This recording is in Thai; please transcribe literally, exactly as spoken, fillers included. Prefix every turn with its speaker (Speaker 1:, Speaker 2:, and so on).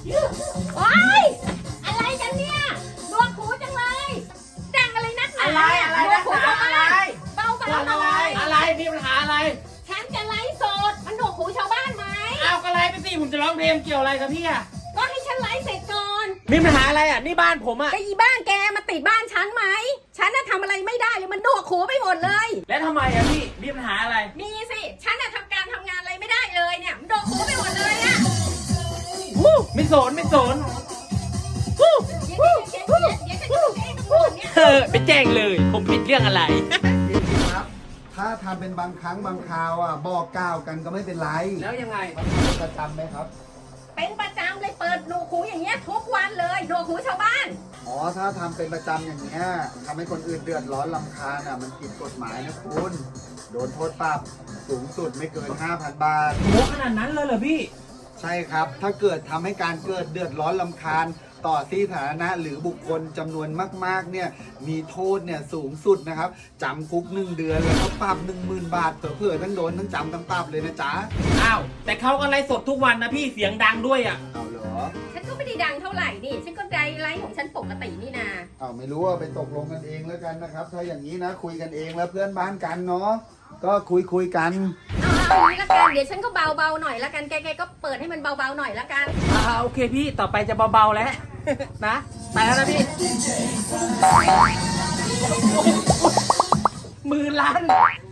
Speaker 1: โอ๊ยอะไรกันเนี่ยดวงหูจังเลยดังอะไรนักหนา
Speaker 2: อะไรอะไร
Speaker 1: ดว
Speaker 2: นั
Speaker 1: ง
Speaker 2: ก
Speaker 1: หู
Speaker 2: หนา
Speaker 1: ชาว
Speaker 2: อะไร
Speaker 1: บ้านเบาๆห
Speaker 2: อะ
Speaker 1: น่
Speaker 2: ไร
Speaker 1: อย
Speaker 2: อะไรมีปัญหาอะไร
Speaker 1: ฉันจะไลฟ์สดมันดวงหูชาวบ้านไหม
Speaker 2: เอาก็ไล่ไปสิผมจะร้องเพลงเกี่ยวอะไรกับพี่อะ
Speaker 1: ก็ให้ฉันไลฟ์เสร็จก่อน
Speaker 2: มีปัญหาอะไรอะนี่บ้านผมอะ
Speaker 1: ก็อีบ้านแกมาติดบ้านฉันไหมฉันน่ะทำอะไรไม่ได้เลยมันดวงหูไปหมดเลย
Speaker 2: แล้วทำไมอะพี่มีปัญหาอะไร
Speaker 1: มีสิฉันน่ะทำการทำงานอะไรไม่ได้เลยเนี่ยมันดวงหูไปหมดเลยอะ
Speaker 2: วู้ไม่สนไม่สนวู้
Speaker 1: เดี๋ยวเดี๋ยวเดี๋ยวเดี๋ยวฉันจะแจ้งตำรวจเนี่ย
Speaker 2: เออไปแจ้งเลยผมผิดเรื่องอะไร
Speaker 3: พี่ครับ ถ้าทำเป็นบางครั้งบางคราวอ่ะบอกกล่าวกันก็ไม่เป็นไร
Speaker 2: แล้วยังไง
Speaker 3: เป็นประจำไหมครับ
Speaker 1: เป็นประจำเลยเปิดดวงหูอย่างเงี้ยทุกวันเลยดวงหูชาวบ้าน
Speaker 3: อ๋อ ถ้าทำเป็นประจำอย่างเงี้ยทำให้คนอื่นเดือดร้อนรำคาญอ่ะมันผิดกฎหมายนะคุณ โดนโทษปรับสูงสุดไม่เกิน ห้าพัน บาท
Speaker 2: โหขนาดนั้นเลยเหรอพี่
Speaker 3: ใช่ครับ ถ้าเกิดทำให้การเกิดเดือดร้อนลำคาญต่อที่สาธารณะหรือบุคคลจำนวนมากๆเนี่ยมีโทษเนี่ยสูงสุดนะครับจำคุกหนึ่งเดือนแล้วก็ปรับหนึ่งหมื่นบาทเผื่อๆทั้งโดนทั้งจำทั้งปรับเลยนะจ๊ะ
Speaker 2: อ้าวแต่เขาก็ไลฟ์สดทุกวันนะพี่เสียงดังด้วยอะ
Speaker 3: เอาเหรอ
Speaker 1: ฉันก็ไม่ได้ดังเท่าไหร่นี่ ฉันก็ไดไลฟ์ของฉันปกตินี่นา
Speaker 3: เอาไม่รู้ว่าไปตกลงกันเองแล้วกันนะครับ ถ้าอย่างนี้นะคุยกันเองแล้วเพื่อนบ้านกันเนาะก็คุยคุยกัน
Speaker 1: เอาเอาอย่างนี้ละกัน เดี๋ยวฉันก็เบาๆหน่อยละกัน แกๆก็เปิดให้มันเบาๆหน่อยละกัน
Speaker 2: อ่าโอเคพี่ต่อไปจะเบาๆแล้ว นะไปแล้วนะพี่มือลั่น